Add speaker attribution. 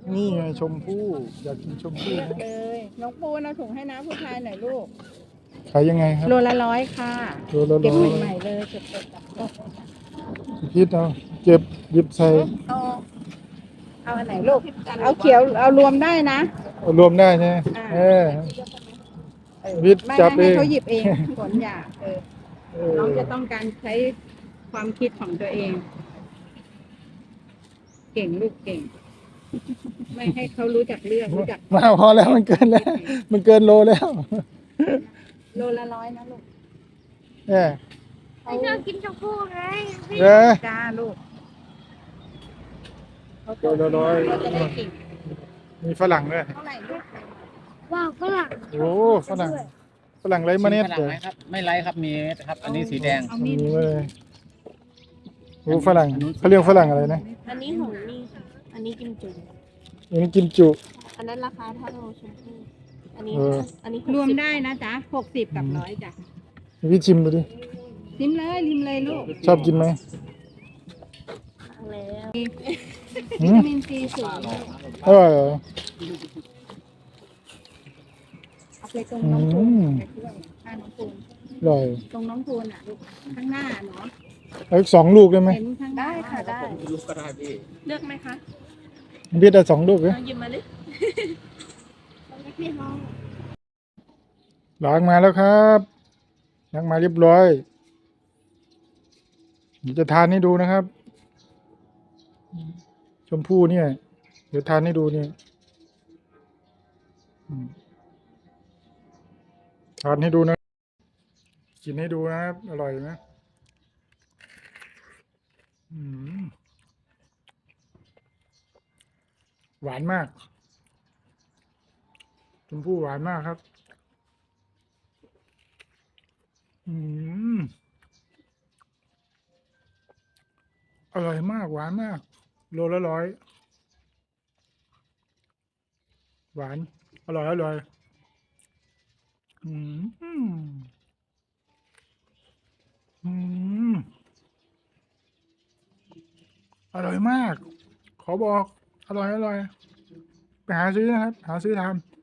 Speaker 1: นี่ไงชมพู่อยากกินชมพู่
Speaker 2: เลือก
Speaker 1: นะ
Speaker 2: เลยน้องปูนเอาถุงให้น้าผู้ชายหน่อยลูก
Speaker 1: ขายยังไงครับ
Speaker 2: โลละ100ค่ะ
Speaker 1: โลละ100
Speaker 2: เก็บใหม่ๆเลยเก็บสดจากต้น
Speaker 1: พิษเอาเก็บหยิบใส่
Speaker 2: เอาอันไหนลูกเอาเขียวเอารวมได้นะ
Speaker 1: เอารวมได้ใช่ไหม
Speaker 2: อ่า
Speaker 1: เออ วิทย์
Speaker 2: ไม่
Speaker 1: จับ
Speaker 2: ให้
Speaker 1: เอง
Speaker 2: เขาหยิบเองผลอยาก
Speaker 1: เออ
Speaker 2: น้องจะต้องการใช้ความคิดของตัวเอง เก่งลูกเก่ง ไม่ให้เขารู้จักเลือกรู้จัก
Speaker 1: มาพอแล้วมันเกินแล้ว มันเกินโลแล้ว
Speaker 2: โลละ100นะลูก
Speaker 1: เออ
Speaker 3: ไม่ชอบกินชมพู่ไง
Speaker 1: เออ
Speaker 2: จ้าลูก
Speaker 1: โลละ100
Speaker 2: เขาจะได้เก่ง
Speaker 1: มีฝรั่งด้วย
Speaker 2: เท่าไหร่ลูก
Speaker 3: ว้าวฝรั่ง
Speaker 1: โอ้ฝรั่งฝรั่งไรเมล็ด
Speaker 4: ฝรั่
Speaker 1: เล
Speaker 4: ง
Speaker 1: ย
Speaker 4: ไหมครับ ไม่ไลค์ครับมีครับ อันนี้สีแดง
Speaker 2: เอา
Speaker 1: มี
Speaker 2: มีด
Speaker 1: เลยโอ้ฝรั่งเขาเรียกฝรั่งอะไรนะ
Speaker 3: อันนี้หงนี่ค่ะอันนี้กิมจุ่ม
Speaker 1: อันนี้กิมจุ
Speaker 3: อันนั้นราคาเท่าชมพู่อันนี้
Speaker 1: เออ
Speaker 3: อันนี้
Speaker 2: รวมได้นะจ๊ะ60กับ100จ้ะ
Speaker 1: พี่ชิมดูดิ
Speaker 2: ริมเลยริมเลยลูก
Speaker 1: ชอบกินไหม
Speaker 3: แล้ว
Speaker 1: หื
Speaker 2: วิ
Speaker 1: ม
Speaker 2: ตามินซีสูง
Speaker 1: อร่อยเหรอ
Speaker 2: เอาไปตรงน้องปูน
Speaker 1: อืม
Speaker 2: ไปด้วยข้างน้องปูน
Speaker 1: อร่อย
Speaker 2: ตรงน้องปูนอ่ะลูกข้างหน้าเนาะ
Speaker 1: เอาอีก2 ลูกได้ไหม
Speaker 2: เห็นข้างหน้า
Speaker 3: ได้ค่ะได้
Speaker 4: ลูกก็ได้พี่
Speaker 3: เลือกไหมคะ
Speaker 1: พี่ได้2 ลูกเลย
Speaker 3: เอาหยิบมาดิเอาเล็กพี่น้อง
Speaker 1: ล้างมาแล้วครับล้างมาเรียบร้อยเดี๋ยวจะทานให้ดูนะครับ ชมพู่เนี่ย เดี๋ยวทานให้ดูเนี่ยอืมทานให้ดูนะ กินให้ดูนะครับ อร่อยไหมอืมหวานมาก ชมพู่หวานมากครับ อืมอร่อยมาก หวานมาก โลละ100 หวาน อร่อย อร่อย อืม อืม อร่อยมาก ขอบอก อร่อย อร่อย ไปหาซื้อนะครับ หาซื้อทาน